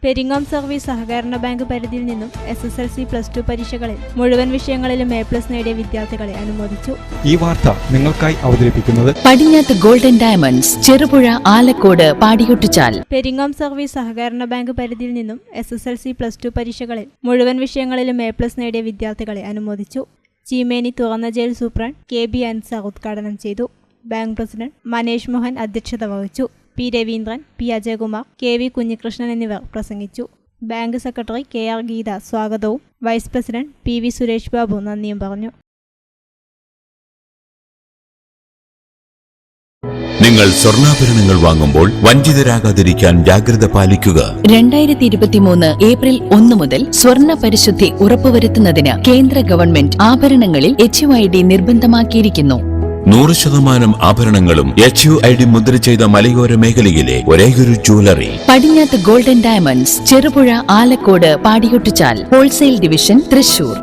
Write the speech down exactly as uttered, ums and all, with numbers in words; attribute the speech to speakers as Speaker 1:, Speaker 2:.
Speaker 1: Peringome service സഹകരണ bank പരിധിയിൽ നിന്നും S S L C plus two പരീക്ഷകളിൽ മുഴുവൻ വിഷയങ്ങളിലും എ പ്ലസ് നേടിയ വിദ്യാർത്ഥികളെ അനുമോദിച്ചു.
Speaker 2: ഈ വാർത്ത നിങ്ങൾക്കായി അവതരിപ്പിക്കുന്നത്
Speaker 3: Padinjath golden diamonds, Cherupuzha, Alakode, Padiyottuchal.
Speaker 1: Peringome service സഹകരണ ബാങ്ക് പരിധിയിൽ നിന്നും S S L C plus two പരീക്ഷകളിൽ മുഴുവൻ വിഷയങ്ങളിലും എ പ്ലസ് നേടിയ വിദ്യാർത്ഥികളെ അനുമോദിച്ചു. ചീമേനി തുറന്ന jail superintendent K B Ansar ഉദ്ഘാടനം ചെയ്തു. ബാങ്ക് പ്രസിഡന്റ് മനേഷ് മോഹൻ അധ്യക്ഷത വഹിച്ചു. P Raveendran, P Ajayakumar, K V Kunhikrishnan എന്നിവർ പ്രസംഗിച്ചു. Bank secretary K R Geetha സ്വാഗതവും vice president P V Suresh Babu നന്ദിയും പറഞ്ഞു.
Speaker 4: നിങ്ങൾ സ്വർണ്ണാഭരണങ്ങൾ വാങ്ങുമ്പോൾ വഞ്ചിതരാകാതിരിക്കാൻ ജാഗ്രത പാലിക്കുക.
Speaker 3: രണ്ടായിരത്തി ഇരുപത്തിമൂന്ന് ഏപ്രിൽ ഒന്ന് മുതൽ സ്വർണ്ണ പരിശുദ്ധി ഉറപ്പുവരുത്തുന്നതിന് കേന്ദ്ര ഗവൺമെന്റ് ആഭരണങ്ങളിൽ എച്ച് യു ഐ ഡി നിർബന്ധമാക്കിയിരിക്കുന്നു.
Speaker 4: നൂറ് ശതമാനം ആഭരണങ്ങളും എച്ച് യു ഐ ഡി മുദ്ര ചെയ്ത മലയോര മേഖലയിലെ ഒരേയൊരു jewellery
Speaker 3: Padinjath golden diamonds, Cherupuzha, Alakode, Padiyottuchal. Wholesale division, Thrissur.